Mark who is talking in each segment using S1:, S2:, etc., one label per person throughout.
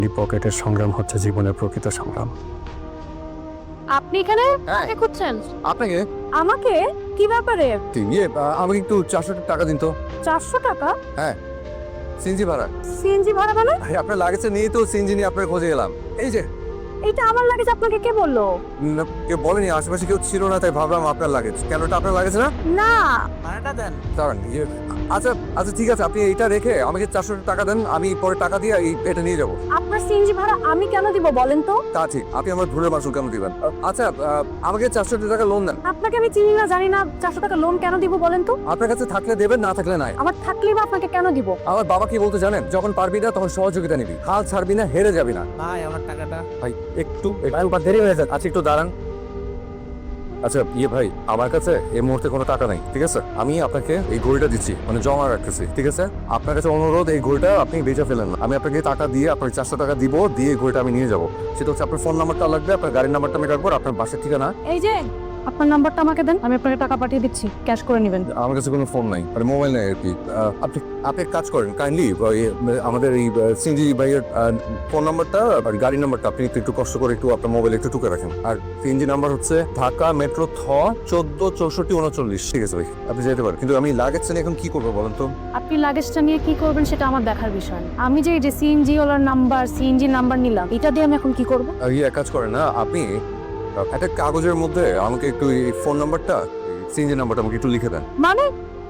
S1: এই পকেটের সংগ্রাম হচ্ছে জীবনের প্রকৃত সংগ্রাম।
S2: আপনি এখানে
S3: হ্যাঁ।
S2: কাকে খুঁজছেন?
S3: আপনাকে
S2: আমাকে? কি ব্যাপারে?
S3: আমাকে একটু 400 টাকা দিন তো।
S2: 400 টাকা?
S3: সিএনজি ভাড়া।
S2: সিএনজি ভাড়া মানে?
S3: আপনার লাগেছে নিয়ে তো সিএনজি নিয়ে আপনার খোঁজে এলাম। এই যে
S2: এটা আমার লাগেজ, আপনাকে কে বললো?
S3: কেউ বলেনি, আশেপাশে কেউ ছিল না, তাই ভাবলাম আপনার লাগেজ। কেন, এটা আপনার লাগেছে না?
S2: না।
S3: ভাড়াটা দেন। দাঁড়ান, আচ্ছা আচ্ছা ঠিক আছে, আপনি এইটা রেখে আমাকে 400 টাকা দেন, আমি পরে টাকা দিয়ে এটা নিয়ে যাবো।
S2: আপনার সিএনজি ভাড়া আমি কেন দিব বলেন তো?
S3: তা ঠিক, আপনি আমার ভুলের মাসুল কেন দিবেন? আচ্ছা আমাকে 400 টাকা লোন দেন।
S2: আপনাকে আমি চিনি না, জানি না, 400 টাকা লোন কেন দিব বলেন তো?
S3: আপনার কাছে থাকলে দেবেন, না থাকলে নাই।
S2: আমার থাকলেই বা আপনাকে কেন দিব?
S3: আমার বাবা কি বলতে জানেন, যখন পারবি না তখন সহযোগিতা নিবি, হাল ছাড়বি না, হেরে যাবি না।
S4: ভাই আমার টাকাটা।
S3: ভাই একটু দেরি হয়ে যাচ্ছে, আচ্ছা একটু দাঁড়ান। আচ্ছা ভাই, আমার কাছে এই মুহূর্তে কোনো টাকা নাই, ঠিক আছে? আমি আপনাকে এই ঘড়িটা দিচ্ছি, মানে জমা রাখতেছি, ঠিক আছে? আপনার কাছে অনুরোধ, এই ঘড়িটা আপনি বেচে ফেলেন না। আমি আপনাকে টাকা দিয়ে আপনাকে 400 টাকা দিব, দিয়ে এই ঘড়িটা আমি নিয়ে যাবো। সেটা হচ্ছে আপনার ফোন নাম্বারটা লাগবে, আপনার গাড়ির নাম্বারটা আমি রাখবো, আপনার বাসার ঠিকানা।
S2: এই যে আপনার নাম্বারটা আমাকে দেন, আমি আপনাকে টাকা পাঠিয়ে দিচ্ছি, ক্যাশ করে নেবেন।
S3: আমার কাছে কোনো ফোন নাই, মানে মোবাইল নাই আর কি। আপনি আপনি এক কাজ করেন, কাইন্ডলি আমাদের এই সিএনজি ভাইয়ের ফোন নাম্বারটা আর গাড়ির নাম্বারটা আপনি একটু কষ্ট করে একটু আপনার মোবাইলে একটু টুকে রাখেন। আর সিএনজি নাম্বার হচ্ছে ঢাকা মেট্রো 146439। ঠিক আছে ভাই, আপনি যেতে পারেন, কিন্তু আমি লাগেজ নিয়ে এখন কি করবো বলেন তো?
S2: আপনি লাগেজটা নিয়ে কি করবেন সেটা আমার দেখার বিষয় না। আমি যে সিএনজি ওলার নাম্বার, সিএনজি নাম্বার নিলাম, এটা দিয়ে আমি এখন কি করব?
S3: এক কাজ করেন না, আপনি একটা কাগজের মধ্যে আমাকে একটু এই ফোন নাম্বারটা, সিএনজি নাম্বারটা আমাকে একটু লিখে দেন।
S2: মানে?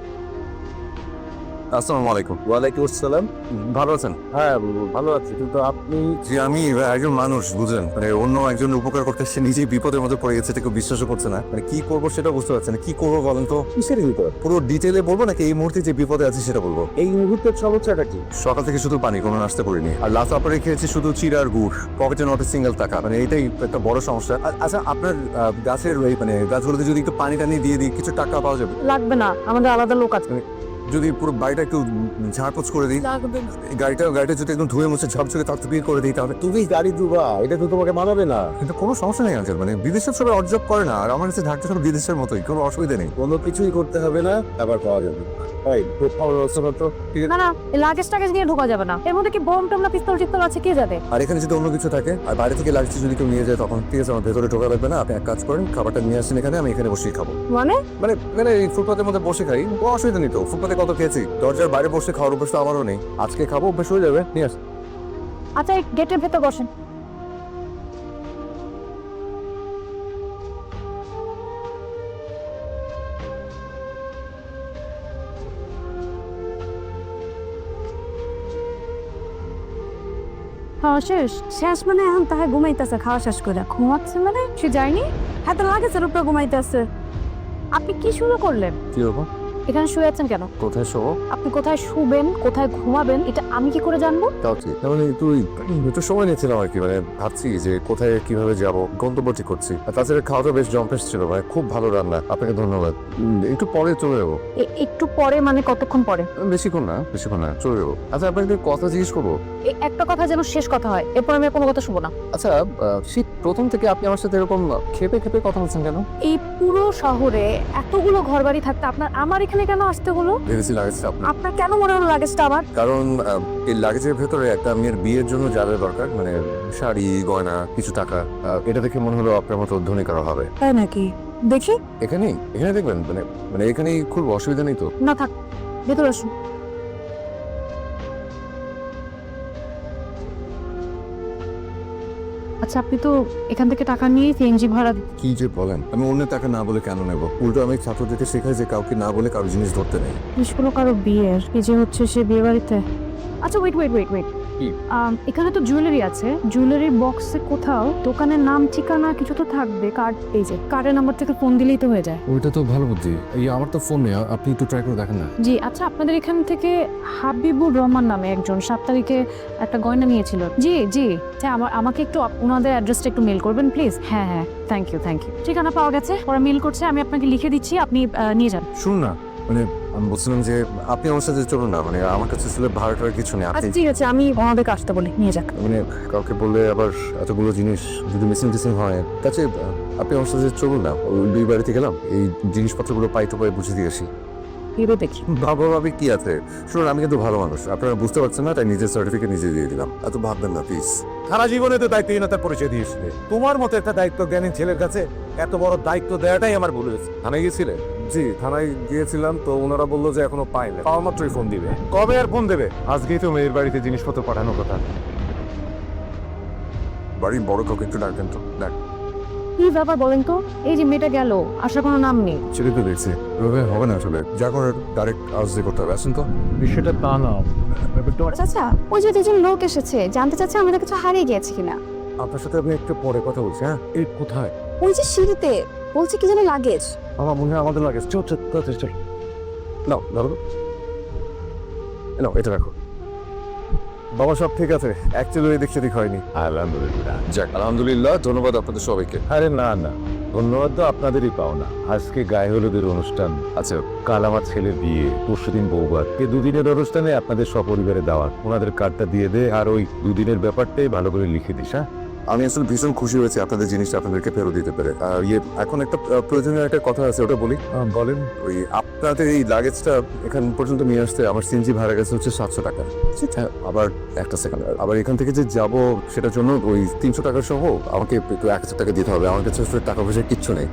S3: আসসালামু আলাইকুম।
S4: ওয়ালাইকুম আসসালাম।
S3: ভালো আছেন?
S4: হ্যাঁ ভালো আছি, কিন্তু আপনি?
S3: যে আমি একজন মানুষ, বুঝলেন, মানে অন্য একজন উপকার করতে সে নিজেই বিপদের মধ্যে পড়ে গেছে, এটা কেউ বিশ্বাসও করছে না। মানে কি করবো সেটা বুঝতে পারছেন না। কি করবো বলেন তো?
S4: কিসের বিপদ?
S3: পুরো ডিটেলে বলবো নাকি এই মুহূর্তে যে বিপদে আছি সেটা বলবো?
S4: এই মুহূর্তের সমস্যাটা কি?
S3: সকাল থেকে শুধু পানি, কোনো নাস্তা করিনি, আর লাস্ট আপনারে খেয়েছি শুধু চিড় আর গুড়, পকেটে নট সিঙ্গেল টাকা। মানে এটাই একটা বড় সমস্যা। আচ্ছা আপনার গাছের ওই মানে গাছগুলোতে যদি একটু পানি টানি দিয়ে দিই, কিছু টাকা পাওয়া যাবে?
S2: লাগবে না, আমাদের আলাদা লোক আছে।
S3: যদি পুরো বাড়িটা একটু ঝাড়পোছ করে দিই,
S2: লাগবে না।
S3: গাড়িটা যদি একদম ধুয়ে মুছে ঝকঝকে তকতকিয়ে করে দিই, তাহলে
S4: তুমি গাড়ি দুবা, এটা তো তোমাকে মানাবে না।
S3: কিন্তু কোনো সমস্যা নেই আঙ্কেল। মানে বিদেশের সবাই অর্জব করে না, আর আমার কাছে ঢাকটা সব বিদেশের মতোই, কোনো অসুবিধা নেই।
S4: কোনো কিছুই করতে হবে না, আবার পাওয়া যাবে। ভাই খুব ভালো ব্যবস্থা তো।
S2: না না, লাগেজ টাগেজ নিয়ে ঢোকা যাবে না। এর মধ্যে কি বোম টোম না পিস্তল টিস্তল আছে, কে জানে?
S3: আর এখানে যদি অন্য কিছু থাকে আর বাইরে থেকে লাগছে যদি কেউ নিয়ে যায়, তখন ঠিক আছে, আমার ভেতরে ঢোকা লাগবে না। আপনি এক কাজ করেন, খাবারটা নিয়ে আসেন এখানে, আমি এখানে বসেই খাবো।
S2: মানে?
S3: মানে এখানে এই ফুটপাতের মধ্যে বসে খাই, কোনো অসুবিধা নেই তো। ফুটপাতে কত খেয়েছি, দরজার বাইরে বসে খাওয়ার অভ্যাস তো আমারও নেই। আজকে খাবো, অভ্যাস হয়ে যাবে, নিয়ে আস।
S2: আচ্ছা, এই গেটের ভেতর বসেন। খাওয়া শেষ? শেষ মানে এখন তাহে ঘুমাইতেছে, খাওয়া শেষ করে ঘুমাচ্ছে মানে? সে যায়নি, হ্যাঁ তো লাগেছে উপরে ঘুমাইতেছে। আপনি কি শুরু করলেন?
S3: কি হবো?
S2: এখানে শুয়ে আছেন কেন?
S3: কোথায় শোবো?
S2: আপনি কোথায় শুবেন, কোথায় ঘুমাবেন, এটা আমি কি করে জানবো?
S3: তাও ঠিক, মানে একটু সময় নিয়েছিলাম আর কি। মানে ভাবছি যে কোথায় কিভাবে যাব, গন্তব্য ঠিক করছি। আর তাছাড়া খাওয়াটা বেশ জম্পেশ ছিল, ভাই খুব ভালো রান্না, আপনাকে ধন্যবাদ। একটু পরে চলে যাবো।
S2: একটু পরে মানে কতক্ষণ পরে?
S3: বেশিক্ষণ না, চলে যাবো। আচ্ছা আপনাকে কথা জিজ্ঞেস করবো?
S2: এই একটা কথা যেন শেষ কথা হয়, এরপর আমি আর কোনো কথা শুনবো না।
S3: আচ্ছা শীত প্রথম থেকে আপনি আমার সাথে এরকম খেপে খেপে কথা বলছেন কেন?
S2: এই পুরো শহরে এতগুলো ঘরবাড়ি থাকতে আপনার আমার এখানে কেন আসতে হলো?
S3: ভেবেছি লাগেজটা আপনার।
S2: আপনার কেন মনে হলো লাগেজটা আমার?
S3: কারণ এই লাগেজের ভেতরে একটা মেয়ের বিয়ের জন্য যা যা দরকার, মানে শাড়ি, গয়না, কিছু টাকা, এটা দেখে মনে হলো আপনার মতো ধনী কারো হবে।
S2: তাই নাকি? দেখি।
S3: এখানে দেখবেন, মানে এখানেই খুব অসুবিধা নেই তো?
S2: না থাক, ভেতরে আসুন। আচ্ছা, আপনি তো এখান থেকে টাকা নিয়ে সিএনজি ভাড়া
S3: কি যে বলেন, আমি অন্য টাকা না বলে কেন নেব? উল্টো আমি ছাত্রদেরকে শেখাই যে কাউকে না বলে কারো জিনিস ধরতে নেই।
S2: জিনিসগুলো কারো বিয়ের, এই যে হচ্ছে সে বিয়ে বাড়িতে। আচ্ছা ওয়েট ওয়েট ওয়েট ওয়েট,
S3: কি?
S2: এখানে তো জুয়েলারি আছে, জুয়েলারির বক্সে কোথাও দোকানের নাম ঠিকানা কিছু তো থাকবে। কার্ড, এই যে কার্ডের নাম্বার থেকে ফোন দিলেই তো হয়ে যায়।
S3: ওইটা তো ভালো বুদ্ধি। এই আমার তো ফোন নেই, আপনি একটু ট্রাই করে দেখেন না।
S2: জি আচ্ছা, আপনাদের এখান থেকে হাবিবুর রহমান নামে একজন 7 তারিখে একটা গয়না নিয়েছিল। জি জি, হ্যাঁ আমাকে একটু ওনাদের অ্যাড্রেসটা একটু মেল করবেন প্লিজ। হ্যাঁ হ্যাঁ, থ্যাংক ইউ। ঠিকানা পাওয়া গেছে, ওরা মেল করছে, আমি আপনাকে লিখে দিচ্ছি, আপনি নিয়ে যান।
S3: শুনুন না, মানে আমি বলছিলাম যে আপনি আমার সাথে চলুন না, মানে আমার কাছে আসলে ভাড়াটার কিছু নেই। আপনি
S2: আচ্ছা ঠিক আছে, আমি ওনাদেরকে আসতে বলি, নিয়ে যাক।
S3: মানে কাউকে বললে আবার এতগুলো জিনিস যদি মিসিং হয়, তাছে আপনি আমার সাথে চলুন না, ওই দুই বাড়িতে গেলাম, এই জিনিসপত্রগুলো পাই তো পাই বুঝে দিয়ে আসি।
S2: ভেবে দেখি।
S3: ভাবা ভাবি কি আছে? শুনুন, আমি কিন্তু ভালো মানুষ, আপনারা বুঝতে পারছেন না, তাই নিজের সার্টিফিকেট নিজে দিয়ে দিলাম। এত ভাববেন না প্লিজ।
S4: সারা জীবনে তো দায়িত্বহীনতার পরিচয় দিয়েছিলে। তোমার মতো একটা দায়িত্ব জ্ঞানী ছেলের কাছে এত বড় দায়িত্ব দেওয়াটাই আমার ভুল হয়েছে।
S3: থানায় গিয়েছিলেন? জি, থানায় গিয়েছিলাম, তো ওনারা বললো যে এখনো পাইনি, পাওয়া মাত্রই ফোন দিবে।
S4: কবে আর ফোন দেবে?
S3: আজকেই তো মেয়ের বাড়িতে জিনিসপত্র পাঠানোর কথা। বাড়ির বড় কাউকে একটু ডাকবেন তো। ডাক।
S2: কি ব্যাপার বলেন তো? এই যে মেয়েটা গেল, আসার কোনো নাম নেই।
S3: ছেলে তো দেখছি, এভাবে হবে না আসলে। যা করে ডাইরেক্ট আজ দিয়ে করতে হবে। আসেন তো।
S4: বিষয়টা তা না,
S5: চাচা ওই যে দুজন লোক এসেছে, জানতে চাচ্ছে আমাদের কিছু হারিয়ে গিয়েছে কিনা।
S3: আপনার সাথে আমি একটু পরে কথা বলছি। হ্যাঁ, এই কোথায়?
S5: ওই যে সিঁড়িতে বলছে কি জানি লাগেজ।
S3: আমার মনে হয় আমাদের লাগে। চল চল চল চল। নাও ধরো, নাও এটা রাখো। বাবা সব ঠিক আছে, অ্যাকচুয়ালি এদিক সেদিক হয়নি।
S4: আলহামদুলিল্লাহ।
S3: যাক, আলহামদুলিল্লাহ, ধন্যবাদ আপনাদের সবাইকে।
S4: আরে না না, ধন্যবাদ তো আপনাদেরই পাওনা। আজকে গায়ে হলুদের অনুষ্ঠান,
S3: আচ্ছা,
S4: কাল আমার ছেলের বিয়ে, পরশুদিন বৌভাত। এই দুদিনের অনুষ্ঠানে আপনাদের সপরিবারে দাওয়াত। ওনাদের কার্ডটা দিয়ে দে, আর ওই দুদিনের ব্যাপারটাই ভালো করে লিখে দিস। হ্যাঁ,
S3: আমি আসলে ভীষণ খুশি হয়েছি আপনাদের জিনিসটা আপনাদেরকে ফেরত দিতে পেরে। এখন একটা প্রয়োজনীয় একটা কথা আছে, ওটা বলি।
S4: বলেন।
S3: ওই আপনাদের এই লাগেজটা এখান পর্যন্ত নিয়ে আসতে আমার সিএনজি ভাড়া গেছে হচ্ছে 700 টাকা। হ্যাঁ, আবার একটা সেকেন্ড, আবার এখান থেকে যে যাব সেটার জন্য ওই 300 টাকা সহ আমাকে একটু 1000 টাকা দিতে হবে। আমার কাছে আসলে টাকা পয়সা কিচ্ছু নেই।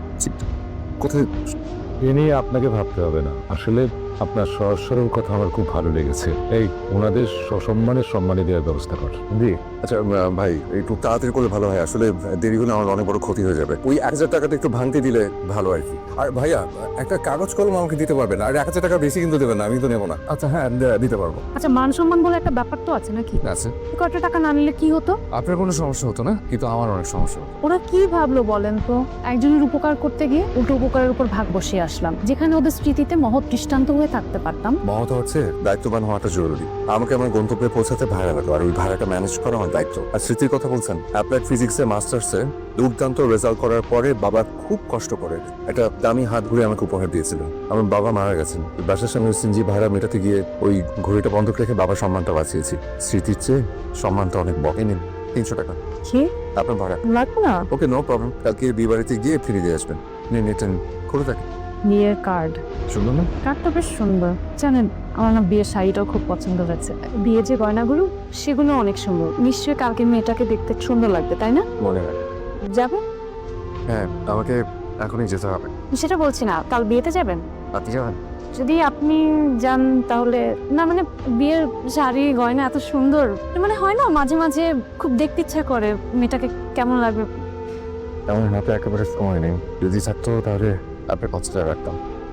S3: কোথায়?
S4: এ নিয়ে আপনাকে ভাবতে হবে না। আসলে আপনার সহজ সরল কথা আমার খুব ভালো লেগেছে। এই ওনাদের সসম্মানে সম্মানে দেওয়ার ব্যবস্থা কর। জি।
S3: আচ্ছা ভাই, একটু তাড়াতাড়ি করলে ভালো হয়। আসলে দেরি হলে আমার অনেক বড় ক্ষতি হয়ে যাবে। ওই 1000 টাকাটা একটু ভাঙতে দিলে ভালো আর কি। আর ভাইয়া, একটা কাগজ কলম আমাকে দিতে পারবেন? আর 1000 টাকা বেশি কিন্তু দেবেন না, আমি তো নেবো না। আচ্ছা হ্যাঁ, দিতে পারবো।
S2: আচ্ছা, মান সম্মান বলে একটা ব্যাপার তো আছে নাকি?
S3: আছে।
S2: কত টাকা না নিলে কি হতো?
S3: আপনার কোনো সমস্যা হতো না, কিন্তু আমার অনেক সমস্যা হতো।
S2: ওরা কি ভাবলো বলেন তো? একজনের উপকার করতে গিয়ে উল্টো উপকারের উপর ভাগ বসিয়ে আসলাম, যেখানে ওদের স্মৃতিতে মহৎ দৃষ্টান্ত হয়ে থাকতে পারতাম।
S3: মহৎ হচ্ছে দায়িত্ববান হওয়াটা জরুরি। আমাকে আমার গন্তব্যে পৌঁছাতে ভাড়া লাগলো, আর ওই ভাড়াটা ম্যানেজ করা আমার দায়িত্ব। আর স্মৃতির কথা বলছেন, অ্যাপ্লাইড ফিজিক্সে মাস্টার্সে দুর্দান্ত রেজাল্ট করার পরে বাবা খুব কষ্ট করে একটা দামি হাত ঘুরে আমাকে উপহার দিয়েছিল। আমার বাবা মারা গেছেন, বাসার সামনে সিএনজি ভাড়া মেটাতে গিয়ে ওই ঘড়িটা বন্ধক রেখে বাবার সম্মানটা বাঁচিয়েছি। স্মৃতির চেয়ে সম্মানটা অনেক বড়। এই নিন 300 টাকা
S2: কি
S3: আপনার ভাড়া।
S2: লাগবে না?
S3: Okay, no problem. কালকে বিয়ে বাড়িতে গিয়ে ফিরে দিয়ে আসবেন। নিন, এটা খুলে থাকে।
S2: বিয়ের কার্ড।
S3: শুনুন না,
S2: কার্ডটা বেশ সুন্দর। জানেন, আমার না বিয়ের শাড়িটাও খুব পছন্দ হয়েছে। বিয়ের যে গয়নাগুলো, সেগুলো অনেক সুন্দর। নিশ্চয়ই কালকে মেয়েটাকে দেখতে সুন্দর লাগবে, তাই না?
S3: মনে হয়।
S2: যাবে?
S3: হ্যাঁ, আমাকে এখনই যেতে হবে।
S2: সেটা বলছি না, কাল বিয়েতে যাবেন?
S3: আপনি যাবেন?
S2: যদি আপনি যান তাহলে না, মানে বিয়ের শাড়ি গয়না এত সুন্দর, মানে হয় না মাঝে মাঝে খুব দেখতে ইচ্ছা করে মেয়েটাকে কেমন লাগবে।
S3: আমার হাতে একেবারে সময় নেই। যদি থাকতো তাহলে আপনার কথাটা রাখতাম।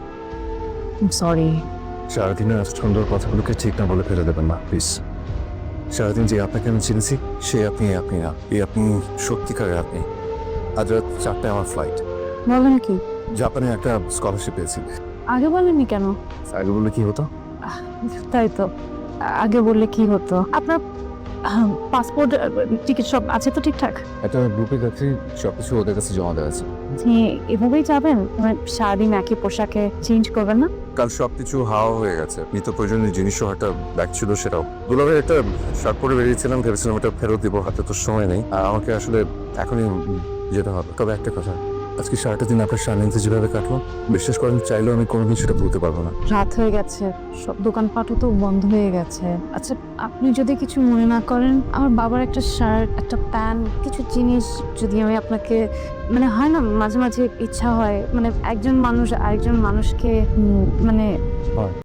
S2: সরি।
S3: সারাদিনের এত সুন্দর কথাগুলোকে ঠিক না বলে ফেলে দেবেন না প্লিজ। সারাদিন যে আপনাকে আমি চিনেছি, সে আপনি আপনি না। এই আপনি সত্যিকারের আপনি। আজ রাত 4টায় আমার ফ্লাইট।
S2: বলেন কি?
S3: জাপানে একটা স্কলারশিপ পেয়েছি।
S2: আগে বলেননি কেন?
S3: আগে বললে কি হতো?
S2: তাই তো, আগে বললে কি হতো? আপনার পাসপোর্ট টিকিট সব আছে তো ঠিকঠাক?
S3: একটা গ্রুপে যাচ্ছি, সবকিছু ওদের কাছে জমা দেওয়া আছে।
S2: যে এভাবেই যাবেন, মানে সারাদিন একই পোশাকে চেঞ্জ করবেন না?
S3: কাল সবকিছু হাওয়া হয়ে গেছে। নিত্য প্রয়োজনীয় জিনিসও একটা ব্যাগ ছিল, সেটাও দুলাভাই একটা শার্ট পরে বেরিয়েছিলাম, ভেবেছিলাম এটা ফেরত দিব, হাতে তো সময় নেই। আর আমাকে আসলে এখনই যেতে হবে। তবে একটা কথা, আজকে সারাটা দিন আপনার সান্নিধ্যে যেভাবে কাটলো, বিশ্বাস করেন চাইলেও আমি কোনোদিন সেটা ভুলতে পারবো না।
S2: রাত হয়ে গেছে, সব দোকানপাটও তো বন্ধ হয়ে গেছে। আচ্ছা, আপনি যদি কিছু মনে না করেন, আমার বাবার একটা শার্ট, একটা প্যান্ট, কিছু জিনিস যদি আমি আপনাকে, মানে হয় না মাঝে মাঝে ইচ্ছা হয়, মানে একজন মানুষ আরেকজন মানুষকে মানে